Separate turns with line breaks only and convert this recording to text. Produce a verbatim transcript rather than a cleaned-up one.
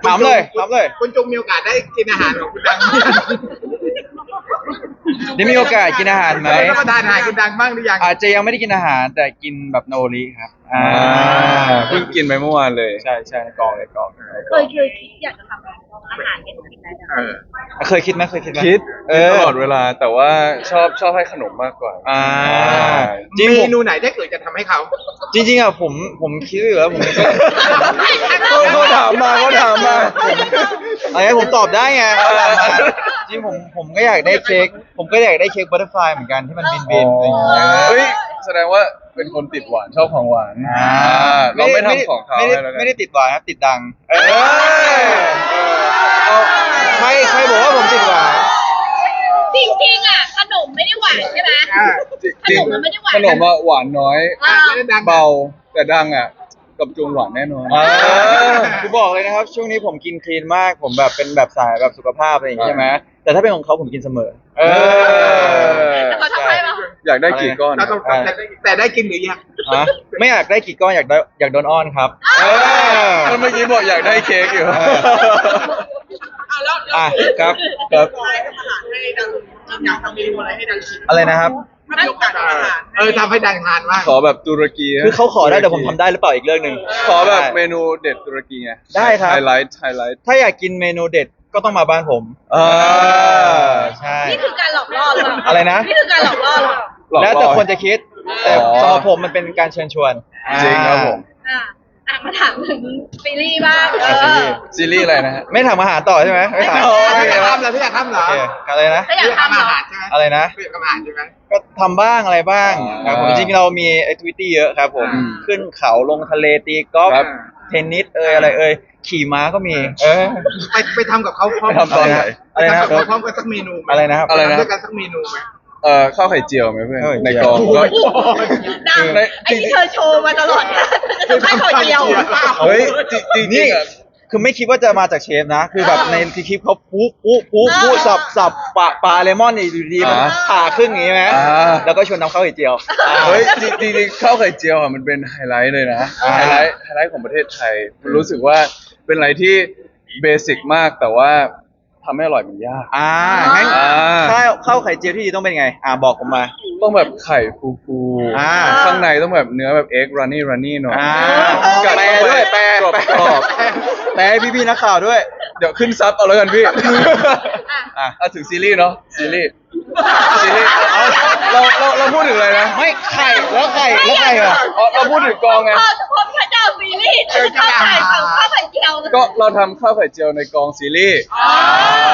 ถามเลยถามเลย
คุณจงมีโอกาสได้กินอาหารของคุณดัง
ได้มีโอกาสกินอาหารไหม
รับประทานอาหารคุณดังบ้างหรือยัง
อาจจะยังไม่ได้กินอาหารแต่กินแบบโนริครับอ่า
เพิ่งกินไปเมื่อวานเลย
ใช่ใช่ในกองในกอง
เคยเคยคิดอยากจะทำอาหารให้หนูกินได้ไหม
เออ
เคยคิดไหมเคยคิดไหม
คิด
เอ
คิด
อ
ตลอดเวลาแต่ว่าชอบชอบให้ขนมมากกว่า
อ่า จ
เม
ริงผม
นูไหนถ้าเกิดจะทำให้เขา
จริงๆอ่ะผมผมคิดอยู่แล้วผม
เขาถามมาเขาถามมา
อะไรผมตอบได้ไงจริงผมผมก็อยากได้เค้กผมก็อยากได้เค้กบัตเตอร์ฟลายเหมือนกันที่มันบินบินอะไรอย่างเงี้ย
เฮ้ยแสดงว่าเป็นคนติดหวานชอบของหวาน
อ่า
เราไม่ทำของเขา
ไม่ได้
ให้แล้วกัน
ไม่ได้ติดหวานครับติดดังเออ
เอ้ย
เอาใครใครบอกว่าผมติดหวาน
จริงๆอ่ะขนมไม่ได้หวานใช่ไหม
อ่า
จริง
ขนมมันไม่ได้หวาน
ขนมอะหวานน้อย
อ่า
แล้วดัง
เบาแต่ดังอ่ะกับจุงหวานแน่นอน
เออคือบอกเลยนะครับ ช่วงนี้ผมกินคลีนมากผมแบบเป็นแบบสายแบบสุขภาพอะไรอย่างงี้ใช่ไหมแต่ถ้าเป็นของเขาผมกินเสมอ เออ
แต่เขาทำให้ป่ะ
อยากได้กี่ก้อน
เราต้องแต่แต่ได้กินหรือยัง
ฮะไม่อยากได้กี่ก้อนอยากได้อยากโดนอ้อนครับ เออ
เมื่อกี้บอกอยากได้เค้กอยู่
เอออ่ะครับ
ครับ
อยากทำเมนูอะไรให้ดังชิม
อะไรนะครับ
ถ้ามีโอกาสทำอาหารเออทำให้ดังทานบ้าง
ขอแบบตุรกีนะ
คือเขาขอได้แต่ผมทำได้หรือเปล่าอีกเรื่องหนึ่ง
ขอแบบเมนูเด็ดตุรกีไง
ได้ครับ
ไฮไลท์ไฮไลท์
ถ้าอยากกินเมนูเด็ดก็ต้องมาบ้านผม
อ่า
ใช่
นี่คือการหลอกล่อหรือเปล่า
อะไรนะ
นี่คือการหลอกล่อหรือเปล่า
หลอก
แล้วแต่
ล่อ
คนจะคิด แต่
อ๋อ
สำหรับผมมันเป็นการเชิญชวน
จริงครับผม
อ่ะอ่ะมาถามถึงซีรีส์บ้างเอ
อ่ะซีรี
อ
ส์
ซีรีส์อะไรนะฮะ
ไม่ทำอาหารต่อใช่ไหมไม่ทำ
ไม่
โอ
อยาก
เค
ทำเหรอไม่อยากทำเหรอ
อะไรนะ
ถ้าอยากทำเหร
อา
อ
หารใช่ไหม
อะไรนะ
ไม่อยากทำอาหารใช่ไหม
ก็ทำบ้างอะไรบ้าง
อ่า
ครับผมจริงๆเรามีแอคทิวิตี้เยอะครับผม
อืม
ขึ้นเขาลงทะเลตีกอล์ฟ
ครับ
เทนนิสเอยอะไรเอยขี่ม้าก็มี เออ
ไปไปทำกับเขาพร้อม
ไปทำตอนไหน
อะไรนะ
ปทำกับเขาพร้อมกันสักเมนูหม
อะไรนะครับ
อะไรนะ
ทำด้วยกันสักเมนูไหม
เอ่อข้าวไข่เจียวไหมเพื่อน
ข้าวไข่
ใน
เจียว
กองก็
ดัง
ใน
ไอ้ที่เธอโชว์มาตลอดเนี่ยจะทำให้เขาเดียว
เฮ้ยจริงจริง
นี่
ๆอ่ะ
คือไม่คิดว่าจะมาจากเชฟนะ คือแบบ
เออ
ในคลิปเขาปุ๊ปุ๊ปุ๊ปุ๊สับสับปะปลาเลมอนนี่อยู่ดีมัน
อ่า
ผ่าครึ่งอย่างงี้ไหม
อ่า
แล้วก็ชวนน้ำข้าวไข่เจียว
เฮ้ยจริงจริงๆข้าวไข่เจียวอ่ะมันเป็นไฮไลท์เลยนะ
อ่า
ไฮไลท์ไฮไลท์ของประเทศไทยรู้สึกว่าเป็นอะไรที่เบสิกมากแต่ว่าทำให้อร่อยมันยาก
อ่างั้น
อ่า
ข้าวข้าวไข่เจียวที่ดีต้องเป็นไง อ่าบอกผมมา
ต้องแบบไข่ฟู
อ่า
ๆข้างในต้องแบบเนื้อแบบเอ็กรันนี่รันนี่หน่อย
อ่า
กัด
แปล
เข้าไป
ด้วยแปล
กรอบ
แปล
กรอบ
แปลให้พี่ๆนักข่าวด้วย
เดี๋ยวขึ้นซับเอาแล้วกันพี่
อ่ะ
อ่ะถึงซีรีส์เนาะซีรีส์ซีรีส์เอาเราเราเราพูดถึงอะไรนะ
ไม่ไข่แล้วไข่แล้วไข่เหรอ
อ๋อเราพูดถึงกองไง
พ่อพ่อพระเจ้าซีรีส์จะข้าวไข่ข้าวไข่เจียว
ก็เราทำข้าวไข่เจียวในกองซีรีส์
อ๋อ